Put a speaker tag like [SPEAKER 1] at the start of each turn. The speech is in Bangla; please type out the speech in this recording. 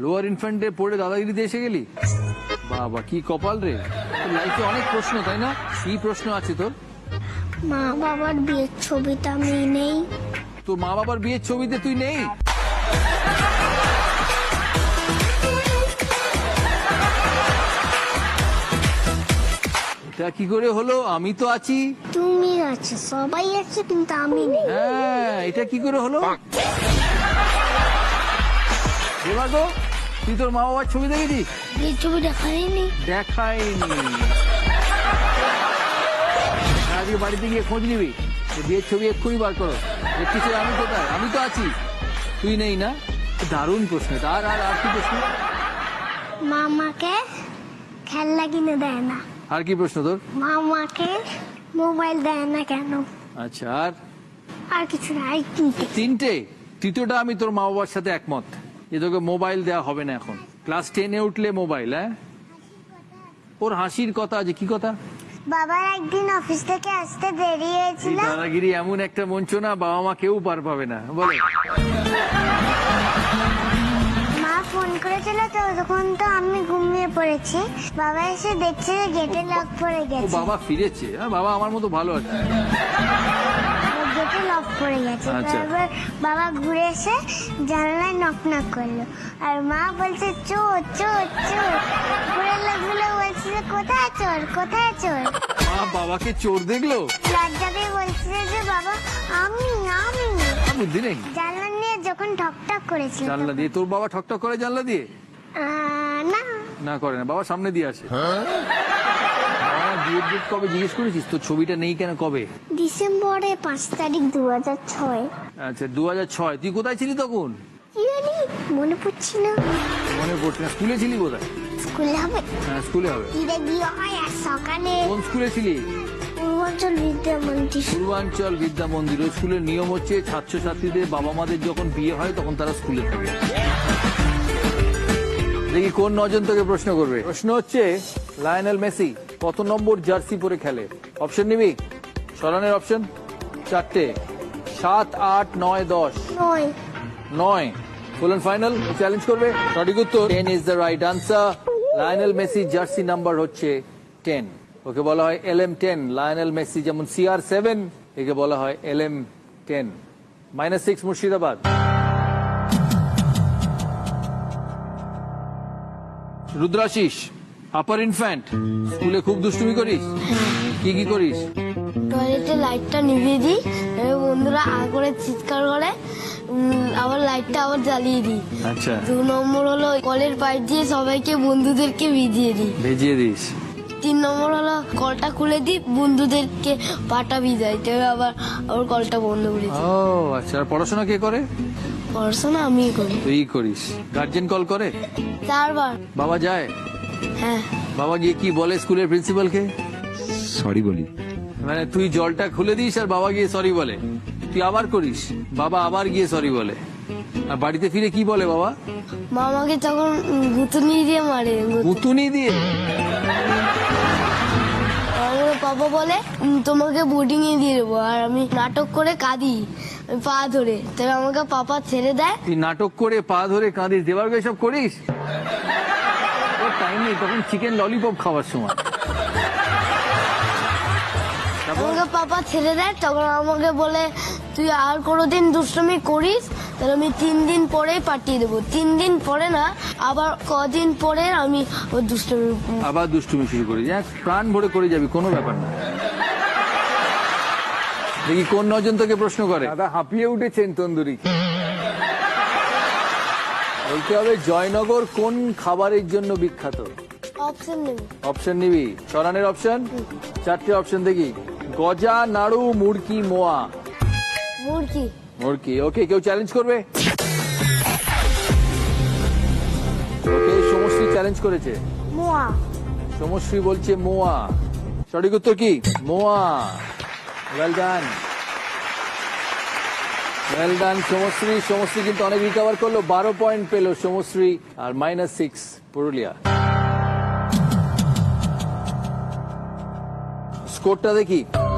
[SPEAKER 1] লোয়ার ইনফ্যান্টে পড়ে দাদাগিরিতে এসে গেলি? বাবা কি কপাল রে, লাইফে অনেক প্রশ্ন তাই না? কি প্রশ্ন আছে তোর?
[SPEAKER 2] মা বাবার বিয়ের ছবিটা আমি নেই।
[SPEAKER 1] তোর মা বাবার বিয়ের ছবিতে তুই নেই? এটা কি করে হলো? আমি তো আছি।
[SPEAKER 2] তুমি আছে, সবাই আছে, কিন্তু আমি নেই।
[SPEAKER 1] হ্যাঁ, এটা কি করে হলো? এবার গো, তুই তোর মা বাবার ছবি দেখেছিস?
[SPEAKER 2] বিয়ের ছবি দেখাইনি।
[SPEAKER 1] দেখাইনি? আজকে বাড়িতে গিয়ে খোঁজ নিবি, বিয়ের ছবি এক্ষুনি বার করো। দেখছিস আমি কোথায়? আমি তো আছি, তুই নেই না? দারুণ প্রশ্ন এটা। আর আর আর কি প্রশ্ন?
[SPEAKER 2] মামাকে খেলনা কিনে দেয় না।
[SPEAKER 1] আর কি প্রশ্ন তোর?
[SPEAKER 2] মামাকে মোবাইল দেয় না কেন?
[SPEAKER 1] আচ্ছা,
[SPEAKER 2] আর কিছু না, এই তিনটে।
[SPEAKER 1] তিনটে? তৃতীয়টা আমি তোর মা বাবার সাথে একমত, যে তোকে মোবাইল দেওয়া হবে না এখন। ক্লাস 10-এ উঠলে মোবাইল? হ্যাঁ, ওর হাসির কথা আছে। কি কথা?
[SPEAKER 2] বাবার একদিন অফিস থেকে আসতে দেরি হয়েছিল।
[SPEAKER 1] দাদাগিরি এমন একটা মঞ্চ না, বাবা মা কেউ পার পাবে না। বলে
[SPEAKER 2] মা ফোন করেছিল, তো তখন তো আমি ঘুমিয়ে পড়েছি। বাবা এসে দেখছে যে গেটে লক পড়ে
[SPEAKER 1] ও
[SPEAKER 2] গেছে।
[SPEAKER 1] বাবা ফিরেছে? বাবা আমার মতো ভালো আছে।
[SPEAKER 2] গেটে লক পড়ে গেছে।
[SPEAKER 1] আচ্ছা।
[SPEAKER 2] তারপর বাবা ঘুরে এসে জানালায় নক নক করলো, আর মা বলছে চোর চোর চোর। ঘুরে লোকগুলো বলছে যে কোথায় চোর কোথায় চোর।
[SPEAKER 1] মা বাবাকে চোর দেখলো?
[SPEAKER 2] লজ্জাতে বলছে যে বাবা আমি আমি
[SPEAKER 1] বুদ্ধি নেই।
[SPEAKER 2] জানলা নিয়ে যখন ঠক ঠক করেছিল।
[SPEAKER 1] জানলা দিয়ে? তোর বাবা ঠকঠক করে জানলা দিয়ে?
[SPEAKER 2] না,
[SPEAKER 1] না করে না, বাবা সামনে দিয়ে আসে। বাবা বিয়ের ডেট কবে জিজ্ঞেস করেছিস? তোর ছবিটা নেই কেন? কবে?
[SPEAKER 2] ডিসেম্বরে 5 তারিখ 2006।
[SPEAKER 1] আচ্ছা 2006। তুই কোথায় ছিলি তখন?
[SPEAKER 2] কি জানি, মনে পড়ছি না।
[SPEAKER 1] মনে পড়ছে না। স্কুলে ছিলি কোথায়?
[SPEAKER 2] স্কুলে হবে,
[SPEAKER 1] হ্যাঁ স্কুলে হবে।
[SPEAKER 2] ঈদে বিয়ে হয় আর সকালে
[SPEAKER 1] কোন স্কুলে ছিলি?
[SPEAKER 2] পূর্বাঞ্চল বিদ্যা মন্দির।
[SPEAKER 1] পূর্বাঞ্চল বিদ্যা মন্দির। ওই স্কুলের নিয়ম হচ্ছে ছাত্রছাত্রীদের বাবা মাদের যখন বিয়ে হয় তখন তারা স্কুলে থাকে। দেখি কোন নজন তোকে প্রশ্ন করবে। প্রশ্ন হচ্ছে, লায়নেল মেসি কত নম্বর জার্সি পরে খেলে? অপশন নিবি? সরানের অপশন 4টে: 7, 8, 9, 10।
[SPEAKER 2] 9।
[SPEAKER 1] 9 ফুল এন্ড ফাইনাল? চ্যালেঞ্জ করবে? সঠিক উত্তর 10 is the right answer. Lionel Messi jersey number হচ্ছে 10। ওকে বলা হয় LM10। লায়নেল মেসি যেমন CR7, একে বলা হয় LM10। -6 মুর্শিদাবাদ। রুদ্রাশিস আপার ইনফ্যান্ট, স্কুলে খুব দুষ্টুমি করিস? কি কি করিস?
[SPEAKER 3] টয়লেটে লাইটটা নিভিয়ে দিই, এবার বন্ধুরা আ করে চিৎকার করে, আবার লাইটটা আবার জ্বালিয়ে দিই।
[SPEAKER 1] আচ্ছা,
[SPEAKER 3] 2 নম্বর হলো কলের পাইপ দিয়ে সবাইকে বন্ধুদেরকে ভিজিয়ে দিই।
[SPEAKER 1] ভেজিয়ে দিস?
[SPEAKER 3] 3 নম্বর হলো কলটা খুলে দিই, বন্ধুদেরকে পাটা ভিজাই, তবে আবার কলটা বন্ধ করে দিই।
[SPEAKER 1] ও আচ্ছা। আর পড়াশোনা কে করে?
[SPEAKER 3] পড়াশোনা আমি করি।
[SPEAKER 1] তুই করিস? গার্জেন কল করে?
[SPEAKER 3] 4 বার।
[SPEAKER 1] বাবা যায়?
[SPEAKER 3] হ্যাঁ।
[SPEAKER 1] বাবা গিয়ে কি বলে স্কুলের প্রিন্সিপালকে?
[SPEAKER 4] সরি বলি।
[SPEAKER 1] মানে তুই জলটা খুলে দিস আর বাবা গিয়ে সরি বলে, তুই আবার করিস, বাবা আবার গিয়ে সরি বলে, আর বাড়িতে ফিরে কি বলে বাবা?
[SPEAKER 3] মামাকে তখন গুতুনি দিয়ে মারে।
[SPEAKER 1] পুতুনি দিয়ে?
[SPEAKER 3] আমার পাপা বলে তোমাকে বোর্ডিং এ দিয়ে দেবো, আর আমি নাটক করে কাঁদি পা ধরে, তবে আমাকে পাপা ছেড়ে দেয়।
[SPEAKER 1] তুই নাটক করে পা ধরে কাঁদিস? দেবার সব করিস? তোর টাইম নেই তখন চিকেন ললিপপ খাওয়ার সময়।
[SPEAKER 3] আমাকে পাপা ছেড়ে দেয়, তখন আমাকে বলে তুই আর কোনোদিন দুষ্টুমি করিস তাহলে আমি 3 দিন পরেই পাঠিয়ে দেবো। 3 দিন পরে না, আবার কদিন পরে আমি ওর দুষ্টুমি।
[SPEAKER 1] আবার দুষ্টুমি শুরু করিস? প্রাণ ভরে করে যাবি, কোনো ব্যাপার না। দেখি কোন নজন তোকে প্রশ্ন করে। দাদা হাঁপিয়ে উঠেছেন তন্দুরি। বলতে হবে জয়নগর কোন খাবারের জন্য বিখ্যাত?
[SPEAKER 3] অপশন নেই।
[SPEAKER 1] অপশন নিবি? সরানের অপশন 4টে অপশন দেখি: গজা, নাড়ু, মুড়কি, মোয়া।
[SPEAKER 3] মুরগি।
[SPEAKER 1] মুড়কি। ওকে, কেউ চ্যালেঞ্জ করবে? ওকে, সমশ্রী চ্যালেঞ্জ করেছে।
[SPEAKER 2] মোয়া।
[SPEAKER 1] সমশ্রী বলছে মোয়া। সঠিক উত্তর কি? মোয়া। Well done, well done Samashree. Samashree কিন্তু অনেক রিকভার করলো, 12 পয়েন্ট পেল সমশ্রী, আর -6 পুরুলিয়া। স্কোরটা দেখি।